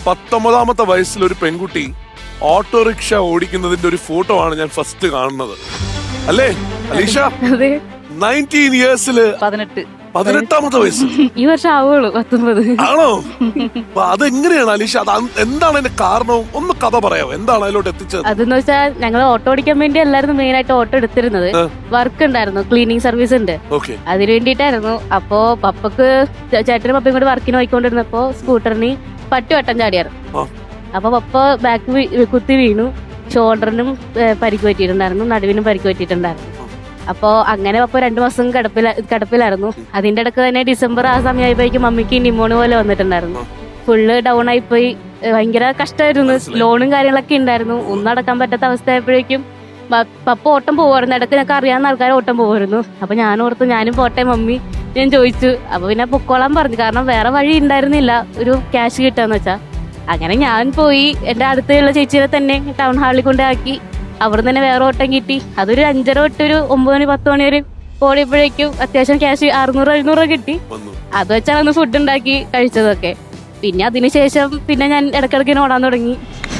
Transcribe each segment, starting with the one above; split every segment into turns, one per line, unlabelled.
19ാമത്തെ വയസ്സിൽ ഒരു പെൺകുട്ടി ഓട്ടോറിക്ഷ ഓടിക്കുന്നതിന്റെ ഒരു ഫോട്ടോ ആണ് ഞാൻ ഫസ്റ്റ് കാണുന്നത്. അല്ലേ അലീഷ? 19 ഇയേഴ്സില് 18ാമത്തെ വയസ്സ്.
ഈ വർഷം ആവുള്ളൂ 19.
ആണോ? അതെങ്ങനെയാണ് അലീഷ? എന്താണ് അതിന്റെ കാരണവും ഒന്ന് കഥ പറയാമോ? എന്താണ് അതിലോട്ട് എത്തിച്ചത്?
അതെന്ന് വെച്ചാൽ ഞങ്ങൾ ഓട്ടോ ഓടിക്കാൻ വേണ്ടി എല്ലാവരും മെയിൻ ആയിട്ട് ഓട്ടോ എടുത്തിരുന്നത്. വർക്ക് ഉണ്ടായിരുന്നു, ക്ലീനിങ് സർവീസ് ഉണ്ട്, അതിന് വേണ്ടിയിട്ടായിരുന്നു. അപ്പോ പപ്പക്ക് ചേട്ടനും പപ്പയും കൂടി വർക്കിന് പോയിക്കൊണ്ടിരുന്നപ്പോ സ്കൂട്ടറിന് പട്ടി വട്ടം ചാടിയായിരുന്നു. അപ്പൊ പപ്പ ബാക്ക് കുത്തി വീണു. ഷോൾഡറിനും പരിക്ക് പറ്റിയിട്ടുണ്ടായിരുന്നു, നടുവിനും പരിക്ക് പറ്റിയിട്ടുണ്ടായിരുന്നു. അപ്പോ അങ്ങനെ പപ്പ 2 മാസം കിടപ്പിലായിരുന്നു. അതിന്റെ ഇടക്ക് തന്നെ ഡിസംബർ ആ സമയമായപ്പോഴേക്കും മമ്മിക്ക് ന്യൂമോണിയ പോലെ വന്നിട്ടുണ്ടായിരുന്നു. ഫുള്ള് ഡൗൺ ആയിപ്പോയി. ഭയങ്കര കഷ്ടമായിരുന്നു. ലോണും കാര്യങ്ങളൊക്കെ ഉണ്ടായിരുന്നു. ഒന്നും അടക്കാൻ പറ്റാത്ത അവസ്ഥ ആയപ്പോഴേക്കും പപ്പ ഓട്ടം പോവായിരുന്നു. ഇടയ്ക്ക് ഞങ്ങൾക്ക് അറിയാവുന്ന ആൾക്കാർ ഓട്ടം പോവായിരുന്നു. അപ്പൊ ഞാൻ ഓർത്തു ഞാനും പോട്ടെ മമ്മി ഞാൻ ചോദിച്ചു. അപ്പൊ പിന്നെ പൊക്കോളാൻ പറഞ്ഞു. കാരണം വേറെ വഴി ഉണ്ടായിരുന്നില്ല ഒരു ക്യാഷ് കിട്ടാന്ന് വെച്ചാ. അങ്ങനെ ഞാൻ പോയി എന്റെ അടുത്തുള്ള ചേച്ചിയെ തന്നെ ടൗൺ ഹാളിൽ കൊണ്ടാക്കി. അവിടെ തന്നെ വേറെ ഓട്ടം കിട്ടി. അതൊരു 5:30 തൊട്ട് ഒരു 9 മണി 10 മണി വരെ ഓടിയപ്പോഴേക്കും അത്യാവശ്യം ക്യാഷ് 600-700 കിട്ടി. അത് വെച്ചാണ് അന്ന് ഫുഡ് ഉണ്ടാക്കി കഴിച്ചതൊക്കെ. പിന്നെ അതിനുശേഷം പിന്നെ ഞാൻ ഇടയ്ക്കിടയ്ക്ക് ഓടാൻ തുടങ്ങി.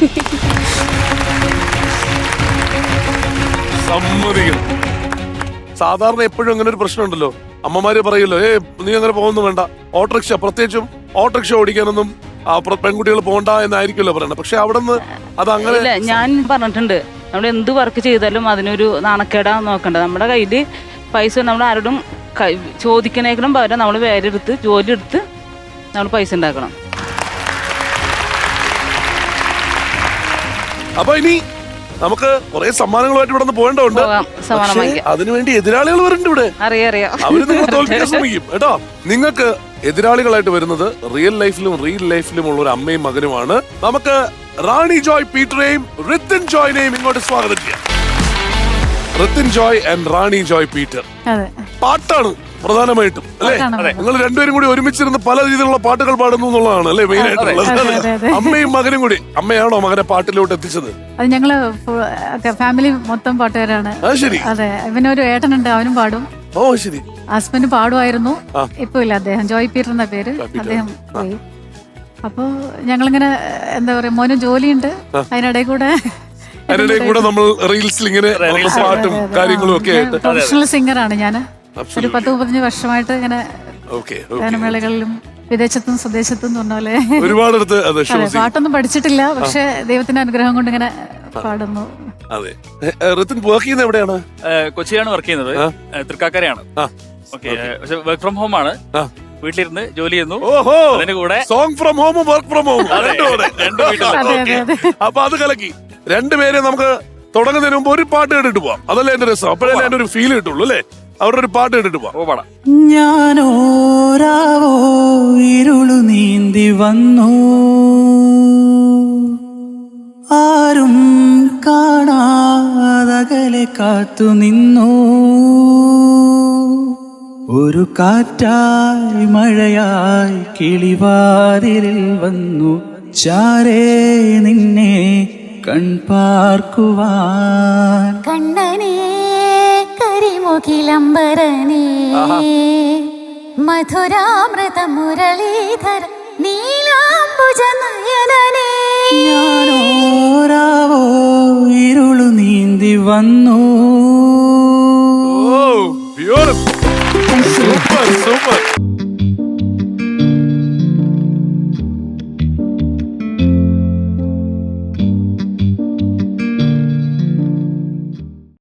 സാധാരണ എപ്പോഴും അങ്ങനെ ഒരു പ്രശ്നമുണ്ടല്ലോ, അമ്മമാര് പറയല്ലോ, നീ അങ്ങനെ പോകുന്നു വേണ്ട, ഓട്ടോറിക്ഷ പ്രത്യേകിച്ചും ഓട്ടോറിക്ഷ ഓടിക്കാനൊന്നും പെൺകുട്ടികൾ പോകണ്ട എന്നായിരിക്കുമല്ലോ പറയണത്. പക്ഷെ അവിടെ നിന്ന് അത് അങ്ങനെ
ഞാൻ പറഞ്ഞിട്ടുണ്ട്, നമ്മൾ എന്ത് വർക്ക് ചെയ്താലും അതിനൊരു നാണക്കേടാ നോക്കണ്ട. നമ്മുടെ കയ്യിൽ പൈസ നമ്മൾ ആരോടും ചോദിക്കണേക്കാളും പകരം നമ്മൾ വേറെ എടുത്ത് ജോലി എടുത്ത് നമ്മൾ പൈസ ഉണ്ടാക്കണം.
അപ്പൊ ഇനി നമുക്ക് കുറെ സമ്മാനങ്ങളുമായിട്ട് ഇവിടെ നിന്ന് പോകേണ്ടതുണ്ട്. അതിനുവേണ്ടി എതിരാളികൾ വരുന്നുണ്ട് ഇവിടെ.
അറിയാം,
അവര് നിങ്ങൾ തോൽപ്പിക്കാൻ ശ്രമിക്കും കേട്ടോ. നിങ്ങൾക്ക് എതിരാളികളായിട്ട് വരുന്നത് റിയൽ ലൈഫിലും ഉള്ള ഒരു അമ്മയും മകനുമാണ്. നമുക്ക് റാണി ജോയ് പീറ്ററേയും റിത്തിൻ ജോയിനെയും ഇങ്ങോട്ട് സ്വാഗതം ചെയ്യാം. റിത്തിൻ ജോയ് ആൻഡ് റാണി ജോയ് പീറ്റർ. പാട്ടാണ് പ്രധാനമായിട്ടും അല്ലേ? നിങ്ങൾ രണ്ടുപേരും കൂടി ഒരുമിച്ചിരുന്ന് പല രീതിയിലുള്ള പാട്ടുകൾ പാടുന്നു എന്നുള്ളതാണ് അല്ലേ മെയിൻ ആയിട്ടുള്ളത്? അമ്മയും മകനും കൂടി. അമ്മയാണോ മകനെ പാട്ടിലോട്ട് എത്തിച്ചത്?
അത് ഞങ്ങള് ഫാമിലി മൊത്തം പാട്ടുകാരാണ്.
ശരി.
അതെ, ഇവന് ഒരു ഏട്ടനുണ്ട്, അവനും പാടും.
ഓ ശരി.
ഹസ്ബൻഡ് പാടുമായിരുന്നു, ഇപ്പൊ ഇല്ല. അദ്ദേഹം ജോയ് പീറ്റർ എന്ന പേര്. അദ്ദേഹം പോയി. അപ്പൊ ഞങ്ങളിങ്ങനെ എന്താ പറയാ, മോനും ജോലിയുണ്ട്, അതിനിടയിൽ കൂടെ
നമ്മൾ റീൽസിൽ ഇങ്ങനെ പാട്ടും കാര്യങ്ങളും ഒക്കെ.
പ്രൊഫഷണൽ സിംഗറാണ് ഞാൻ. ഒരു 10-15 വർഷമായിട്ട് ഇങ്ങനെ ഗാനമേളകളിലും വിദേശത്തും സ്വദേശത്തും പറഞ്ഞ പോലെ
ഒരുപാട്
പാട്ടൊന്നും പഠിച്ചിട്ടില്ല. പക്ഷെ ദൈവത്തിന്റെ അനുഗ്രഹം കൊണ്ട് ഇങ്ങനെ പാടുന്നു.
അതെ. റിത്തിൻ വർക്ക് ചെയ്യുന്നത് എവിടെയാണ്?
കൊച്ചിയിലാണ് വർക്ക് ചെയ്യുന്നത്. തൃക്കാക്കരയാണ്. പക്ഷെ വർക്ക് ഫ്രം ഹോം ആണ്. വീട്ടിലിരുന്ന് ജോലി ചെയ്യുന്നു. അതിന്റെ കൂടെ
സോങ് ഫ്രം ഹോമും വർക്ക് ഫ്രം ഹോമും. അപ്പൊ അത് കലക്കി. രണ്ടുപേരെ നമുക്ക് തുടങ്ങുന്നതിന് മുമ്പ് ഒരു പാട്ട് കേട്ടിട്ട് പോവാം. അതല്ലേ എന്റെ രസം. അപ്പോഴല്ലേ എന്റെ ഒരു ഫീൽ കിട്ടുള്ളൂ അല്ലേ? അവരുടെ ഒരു പാട്ട് കേട്ടിട്ട് പോവാം.
ഞാനോരാവോ ഇരുളു നീന്തി വന്നു, ആരും കാണാതകലെ കാത്തു നിന്നു, ഒരു കാറ്റായി മഴയായി കിളിവാതിലിൽ വന്നു, ചാരേ നിന്നെ കൺപാർക്കുവാൻ.
കണ്ണനേ കരിമുകിലംബരനേ മധുരാമൃത മുരളീധര നീലാംബുജ നയനനേ.
ഞാനോരാവോ ഇരുളു നീന്തി വന്നു,